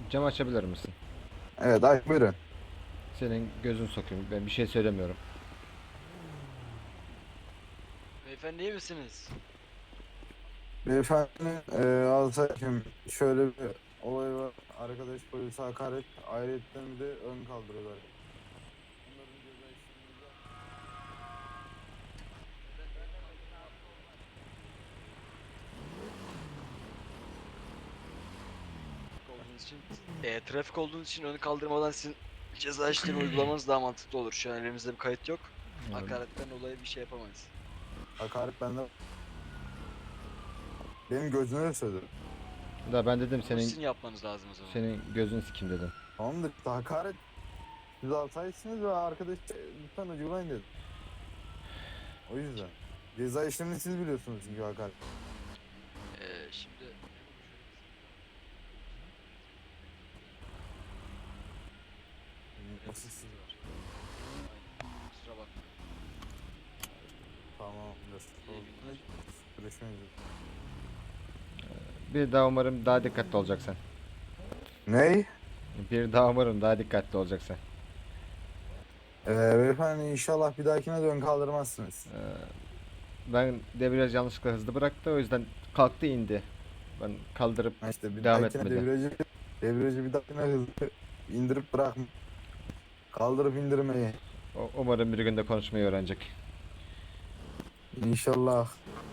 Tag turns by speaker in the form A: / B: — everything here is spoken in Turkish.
A: Cam açabilir misin?
B: Evet, ay buyurun.
A: Senin gözün sokayım. Ben bir şey söylemiyorum.
C: Beyefendi iyi misiniz?
B: Beyefendi, Alsaydım şöyle bir olay var. Arkadaş polise hakaret, ayrıyetten bir de ön kaldırıyorlar. Bunların ceza işlemini yap.
C: Olduğunuz için, trafik olduğunuz için önü kaldırmadan sizin ceza işlemi uygulamanız daha mantıklı olur. Şu an elimizde bir kayıt yok. Hakaretten dolayı bir şey yapamayız.
B: Hakaret bende. Benim gözüne de söyledim.
A: Da ben dedim
C: Bunu
A: senin
C: sizin yapmanız lazım o zaman.
A: senin gözün sikim dedim.
B: Tamamdır işte hakaret. Siz alsaysınız ve arkadaş lütfen uygulayın dedim. O yüzden. Ceza işlemini siz biliyorsunuz çünkü hakaret.
C: Şimdi
B: Nasıl siz?
C: aynen. Kusura bakmayın.
B: Tamamdır.
C: İyi günler.
B: Görüşmek üzere.
A: Bir daha umarım daha dikkatli olacaksın.
B: Ney?
A: Bir daha umarım daha dikkatli olacaksın.
B: Beyefendi inşallah bir dahakine dön kaldırmazsınız.
A: Ben debriyaj yanlışlıkla hızlı bıraktı, o yüzden kalktı indi. Ben kaldırıp
B: Ha işte bir
A: devam
B: dahakine
A: etmedi.
B: debriyajı bir dahakine hızlı indirip bırakma. Kaldırıp indirmeyi.
A: Umarım bir günde konuşmayı öğrenecek.
B: İnşallah.